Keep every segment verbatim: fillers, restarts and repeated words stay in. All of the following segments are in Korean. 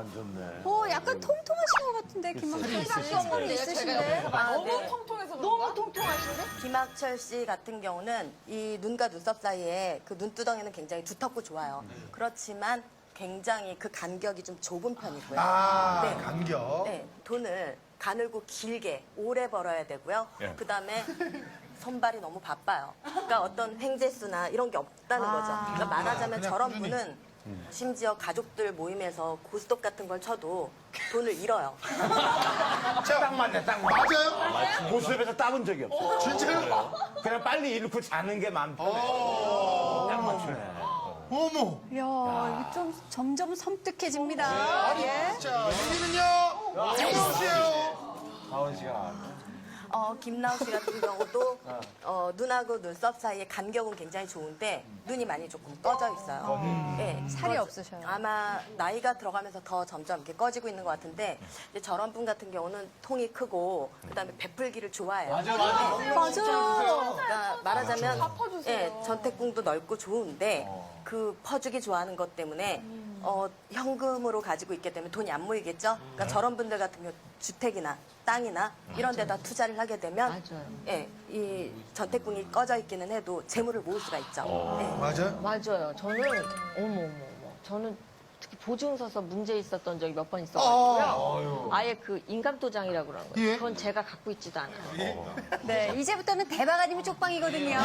안 좋네. 오, 약간 통통하신 것 같은데, 김학철 씨. 있으신데. 있으신데? 아, 너무 네. 통통해서 그런가? 너무 통통하신데? 김학철 씨 같은 경우는 이 눈과 눈썹 사이에 그 눈두덩이는 굉장히 두텁고 좋아요. 그렇지만 굉장히 그 간격이 좀 좁은 편이고요. 아, 네. 간격. 네, 돈을 가늘고 길게 오래 벌어야 되고요. 예. 그다음에 손발이 너무 바빠요. 그러니까 어떤 횡재수나 이런 게 없다는 거죠. 그러니까 말하자면 그냥 저런 꾸준히. 분은 심지어 가족들 모임에서 고스톱 같은 걸 쳐도 돈을 잃어요. 자, 딱 맞네, 딱 맞네. 맞아요? 고수업에서 따본 적이 없어. 진짜요? 그냥 빨리 잃고 자는 게 마음 편해. 어. 딱 맞추네. 어머. 이야, 이거 좀 점점 섬뜩해집니다. 아니, 예. 진짜. 여기는요, 김나우 씨예요. 다원 씨가 나왔네. 어, 김나우 씨 같은 경우도 어, 눈하고 눈썹 사이의 간격은 굉장히 좋은데 눈이 많이 조금 꺼져 있어요. 네, 살이 꺼져- 없으셔요. 아마 나이가 들어가면서 더 점점 이렇게 꺼지고 있는 것 같은데 이제 저런 분 같은 경우는 통이 크고 그다음에 베풀기를 좋아해요. 맞아, 맞아. 맞아요. 그러니까 말하자면 다 퍼주세요. 예, 전태궁도 넓고 좋은데 그 퍼주기 좋아하는 것 때문에 어, 현금으로 가지고 있게 되면 돈이 안 모이겠죠. 그러니까 저런 분들 같은 경우 주택이나 땅이나 이런 데다 투자를 하게 되면 맞아요. 예, 이 전태궁이 꺼져 있기는 해도 재물을 모을 수가 있죠. 예. 맞아요? 맞아요. 저는, 어머, 어머, 어머. 저는 특히 보증 서서 문제 있었던 적이 몇 번 있어가지고요. 아예 그 인감도장이라고 그러는 거예요. 예. 그건 제가 갖고 있지도 않아요. 네, 이제부터는 대박 아니면 쪽방이거든요.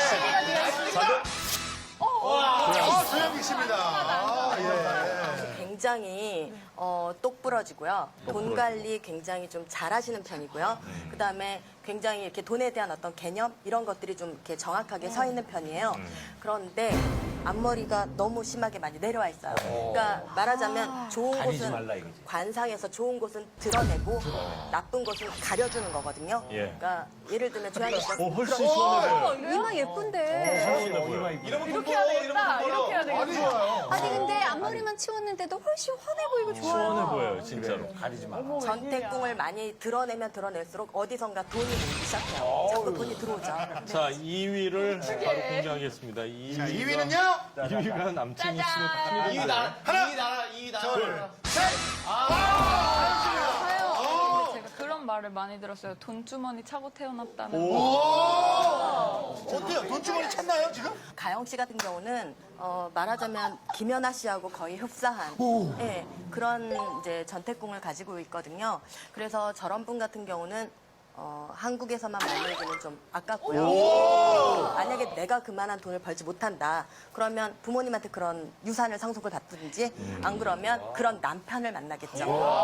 아, 조영기 씨입니다. 아, 예. 굉장히 어, 똑부러지고요. 돈 관리 굉장히 좀 잘하시는 편이고요. 그 다음에 굉장히 이렇게 돈에 대한 어떤 개념 이런 것들이 좀 이렇게 정확하게 서 있는 편이에요. 그런데 앞머리가 너무 심하게 많이 내려와 있어요. 그러니까 말하자면 좋은 가리지 곳은 말라 이거지. 관상에서 좋은 곳은 드러내고 나쁜 곳은 가려주는 거거든요. 예. 그러니까 예를 들면 조양이 씨가 어, 훨씬 그런- 시원해 보여. 이마 예쁜데. 시원해 보여. 이렇게 해야 되겠다. 이렇게 해야 많이 좋아요. 아니, 근데 앞머리만 치웠는데도 훨씬 환해 보이고 좋아요. 시원해 보여요, 진짜로. 가리지 마. 전태궁을 많이 드러내면 드러낼수록 어디선가 돈이 오기 시작해요. 자꾸 돈이 들어오죠. 자, 이 위를 바로 공개하겠습니다. 이 자, 위가, 이 위는요? 이 위가 남친이 씨로 이 나라, 이 나라, 이 나라. 둘, 셋. 제가 그런 말을 많이 들었어요. 돈주머니 차고 태어났다는. 어때요? 돈주머니 찾나요, 지금? 가영 씨 같은 경우는 어, 말하자면 김연아 씨하고 거의 흡사한 예, 그런 이제 전태궁을 가지고 있거든요. 그래서 저런 분 같은 경우는 어, 한국에서만 머물기는 좀 아깝고요. 만약에 내가 그만한 돈을 벌지 못한다. 그러면 부모님한테 그런 유산을 상속을 받든지 안 그러면 그런 남편을 만나겠죠.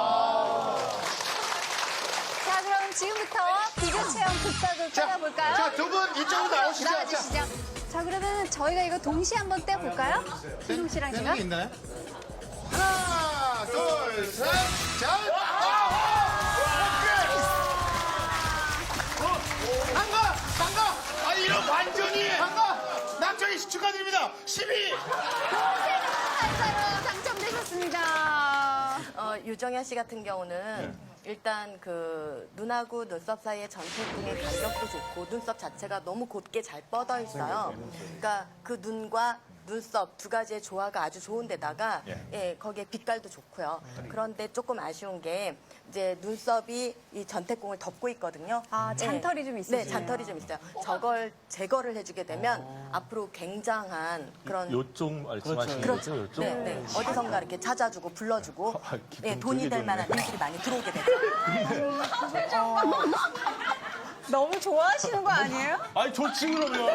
자, 그럼 지금부터 비교 체험 극박을 자, 떠나볼까요? 자, 두 분 이쪽으로 나오시죠. 자, 나와주시죠. 자, 그러면 저희가 이거 동시에 한번 떼볼까요? 희동 씨랑 되는 제가? 게 있나요? 하나, 둘, 셋. 자, 반가, 반가. 아, 이런 완전히 반가. 남창희 씨 축하드립니다. 십이. 한사로 당첨되셨습니다. 어, 유정현 씨 같은 경우는 일단 그 눈하고 눈썹 사이의 전태궁의 간격도 좋고 눈썹 자체가 너무 곧게 잘 뻗어 있어요. 그러니까 그 눈과 눈썹 두 가지의 조화가 아주 좋은데다가 예, 거기에 빛깔도 좋고요. 그런데 조금 아쉬운 게 이제 눈썹이 이 전태궁을 덮고 있거든요. 아, 잔털이 예. 좀 네, 있으시네요. 잔털이 좀 있어요. 저걸 제거를 해주게 되면 앞으로 굉장한 그런 요쪽 말씀하시는 그렇죠. 거죠? 요쪽? 네, 네. 어디선가 이렇게 찾아주고 불러주고 아, 기분 네, 돈이 될 되게 만한 좋네. 일들이 많이 들어오게 되죠. 너무 좋아하시는 거 아니에요? 아니, 좋지, 그러면.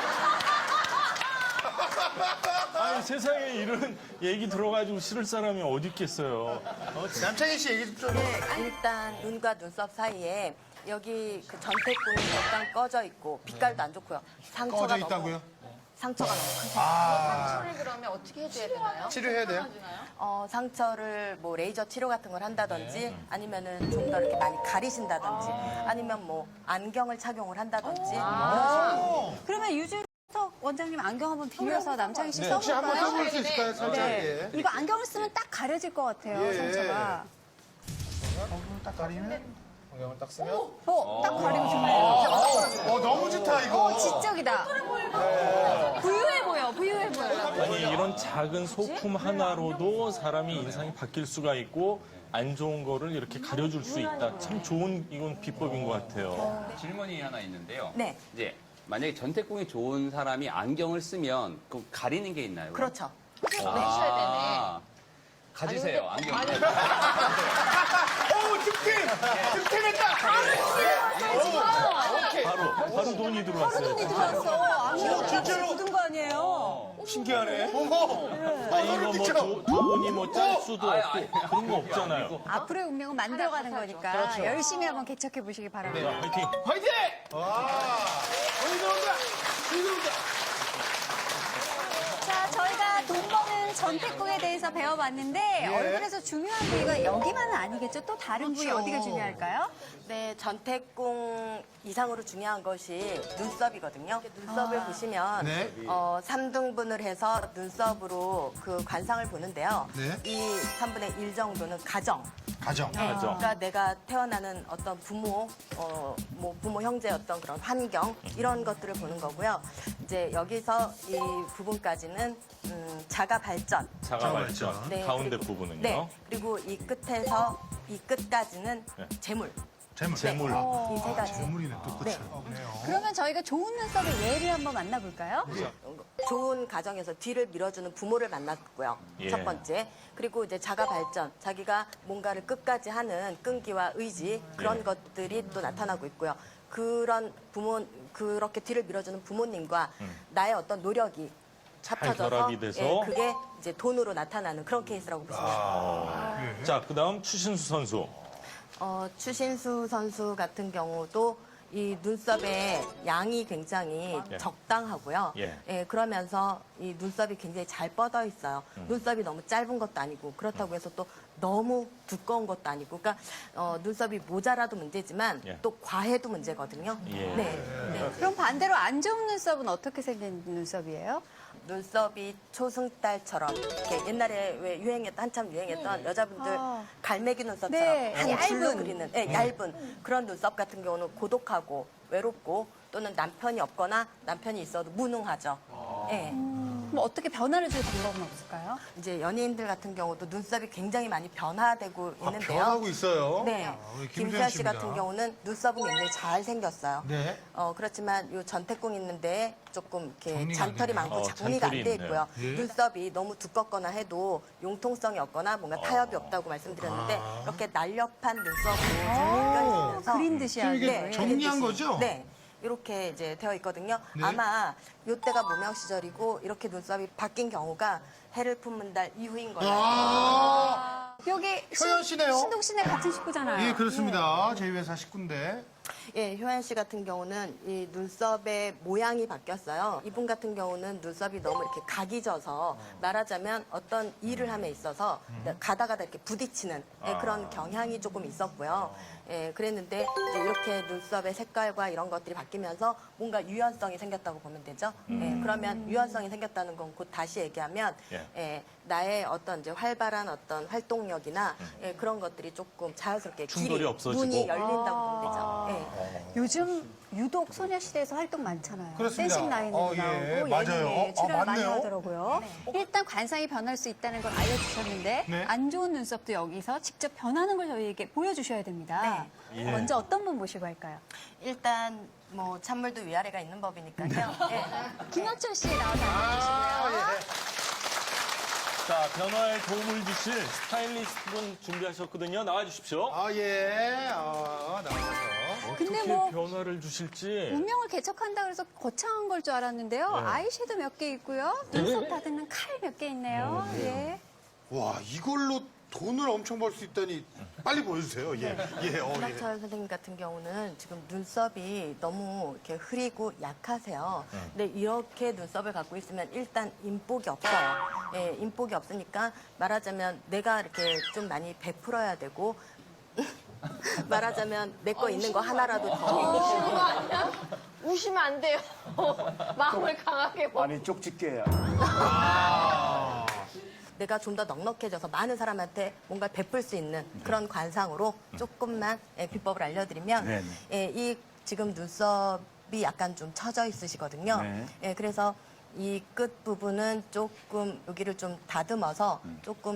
아니, 세상에 이런 얘기 들어가지고 싫을 사람이 어디 있겠어요. 남창희 씨 얘기 좀. 네, 일단 눈과 눈썹 사이에 여기 그 전태궁이 약간 꺼져 있고 빛깔도 안 좋고요. 상처가 꺼져 너무- 있다고요? 상처가 너무 크세요. 상처를 그러면 어떻게 해줘야 되나요? 치료해야 돼요? 어, 상처를 뭐 레이저 치료 같은 걸 한다든지 아니면은 좀 더 이렇게 많이 가리신다든지 아니면 뭐 안경을 착용을 한다든지 그러면 유주석 원장님 안경 한번 빌려서 남창희 씨 혹시 한번 써볼까요? 써볼 수 있을까요? 살짝. 예. 이거 안경을 쓰면 딱 가려질 것 같아요, 예. 상처가. 딱 가리면. 안경을 딱 쓰면. 어, 딱 가리고 싶네요. 어, 너무 좋다, 이거. 어, 지적이다. 부유해 보여, 부유해 보여. 아니 이런 작은 소품 하나로도 사람이 인상이 바뀔 수가 있고 안 좋은 거를 이렇게 가려줄 수 있다. 참 좋은 이건 비법인 것 같아요. 질문이 하나 있는데요. 네. 이제 만약에 전태궁이 좋은 사람이 안경을 쓰면 그 가리는 게 있나요? 그렇죠. 아, 가지세요, 안경. 오, 득템! 득템했다! 바로 바로 돈이 들어왔어요. 돈이 들어왔어. 아무래도 진짜로? 묻은 거 아니에요? 신기하네. 어머! 아 이거 뭐 도- 돈이 뭐 짤 수도 아니, 없고 아니. 그런 거 없잖아요. 앞으로의 운명은 만들어가는 거니까 열심히 한번 개척해 보시기 바랍니다. 자, 화이팅. 화이팅! 와. 어디 나온다? 어디 나온다? 자, 저희가 돈 버는 전태궁에 대해서 배워봤는데 얼굴에서 중요한 부위가 여기만은 아니겠죠? 또 다른 부위 어디가 중요할까요? 네, 전태궁 이상으로 중요한 것이 눈썹이거든요. 눈썹을 보시면 네. 어, 삼 등분을 해서 눈썹으로 그 관상을 보는데요. 네. 이 삼분의 일 정도는 가정. 가정. 네, 그러니까 내가 태어나는 어떤 부모, 어, 뭐 부모 형제 어떤 그런 환경 이런 것들을 보는 거고요. 이제 여기서 이 부분까지는 음, 자가 발전. 자가 발전. 네, 가운데 그리고- 부분은요. 네. 그리고 이 끝에서 이 끝까지는 네. 재물. 재물. 재물. 이 세 가지. 재물이네, 또 끝이. 네. 그러면 저희가 좋은 눈썹의 예를 한번 만나볼까요? 좋은 가정에서 뒤를 밀어주는 부모를 만났고요. 예. 첫 번째. 그리고 이제 자가 발전, 자기가 뭔가를 끝까지 하는 끈기와 의지 그런 예. 것들이 또 나타나고 있고요. 그런 부모, 그렇게 뒤를 밀어주는 부모님과 나의 어떤 노력이 합쳐져서 결합이 돼서? 예, 그게 이제 돈으로 나타나는 그런 케이스라고 보시면 돼요. 자, 그다음 추신수 선수. 어, 추신수 선수 같은 경우도 이 눈썹의 양이 굉장히 예. 적당하고요. 예. 예, 그러면서 이 눈썹이 굉장히 잘 뻗어 있어요. 음. 눈썹이 너무 짧은 것도 아니고 그렇다고 해서 또 너무 두꺼운 것도 아니고 그러니까 어, 눈썹이 모자라도 문제지만 예. 또 과해도 문제거든요. 예. 네. 네. 그럼 반대로 안 좋은 눈썹은 어떻게 생긴 눈썹이에요? 눈썹이 초승달처럼 이렇게 옛날에 왜 유행했던 한참 유행했던 여자분들 아. 갈매기 눈썹처럼 네, 한 얇은. 줄로 그리는 예, 얇은 그런 눈썹 같은 경우는 고독하고 외롭고 또는 남편이 없거나 남편이 있어도 무능하죠. 예. 그럼 어떻게 변화를 줄 방법은 없을까요? 이제 연예인들 같은 경우도 눈썹이 굉장히 많이 변화되고 아, 있는데요. 변하고 있어요. 네. 아, 우리 김수현 씨 씨입니다. 같은 경우는 눈썹은 굉장히 잘 생겼어요. 네. 어, 그렇지만 요 전태궁 있는데 조금 이렇게 정리가 안 잔털이 되네요. 많고 어, 정리가 안 잔털이 돼 있네요. 있고요. 예. 눈썹이 너무 두껍거나 해도 융통성이 없거나 뭔가 타협이 없다고 말씀드렸는데 아. 이렇게 날렵한 눈썹으로 정리가 그린 듯이 하는 이게 거예요. 정리한 거죠? 네. 이렇게 이제 되어 있거든요. 네. 아마 요때가 무명 시절이고 이렇게 눈썹이 바뀐 경우가 해를 품은 달 이후인 거예요. 아, 여기 효연 씨네요. 신동 씨네 같은 식구잖아요. 예, 그렇습니다. 제 회사 식구인데. 예, 효연 씨 같은 경우는 이 눈썹의 모양이 바뀌었어요. 이분 같은 경우는 눈썹이 너무 이렇게 각이 져서 말하자면 어떤 일을 함에 있어서 가다 가다 이렇게 부딪히는 예, 그런 경향이 조금 있었고요. 예, 그랬는데 이제 이렇게 눈썹의 색깔과 이런 것들이 바뀌면서 뭔가 유연성이 생겼다고 보면 되죠. 예, 그러면 유연성이 생겼다는 건 곧 다시 얘기하면 예. 예, 나의 어떤 이제 활발한 어떤 활동력이나 예, 그런 것들이 조금 자연스럽게 충돌이 길이, 없어지고. 문이 열린다고 보면 되죠. 예. 요즘 유독 소녀시대에서 활동 많잖아요. 그렇습니다. 댄싱 라인으로 어, 예, 나오고 맞아요. 예능에 어, 출연 많이 맞네요. 하더라고요. 일단 관상이 변할 수 있다는 걸 알려주셨는데 네. 안 좋은 눈썹도 여기서 직접 변하는 걸 저희에게 보여주셔야 됩니다. 예. 먼저 어떤 분 모시고 할까요? 일단 뭐 찬물도 위아래가 있는 법이니까요. 예. 김현철 씨 나와서 알려주시고요. 자, 변화에 도움을 주실 스타일리스트 분 준비하셨거든요. 나와주십시오. 아, 예. 아, 나와서. 근데 어떻게 뭐 변화를 주실지. 운명을 개척한다 그래서 거창한 걸 줄 알았는데요. 네. 아이섀도 몇 개 있고요. 눈썹 다듬는 칼 몇 개 있네요. 예. 와, 이걸로 돈을 엄청 벌 수 있다니. 빨리 보여주세요. 예. 예, 어, 예. 김학철 선생님 같은 경우는 지금 눈썹이 너무 이렇게 흐리고 약하세요. 근데 이렇게 눈썹을 갖고 있으면 일단 인복이 없어요. 예, 인복이 없으니까 말하자면 내가 이렇게 좀 많이 베풀어야 되고 말하자면 내 거 있는 거 하나라도 더. 우시는 거 아니야? 우시면 안 돼요. 마음을 강하게 먹. 아니 쪽집게야. 내가 좀 더 넉넉해져서 많은 사람한테 뭔가 베풀 수 있는 그런 관상으로 조금만 예, 비법을 알려드리면 네네. 예, 이 지금 눈썹이 약간 좀 처져 있으시거든요. 네. 예, 그래서 이 끝 부분은 조금 여기를 좀 다듬어서 조금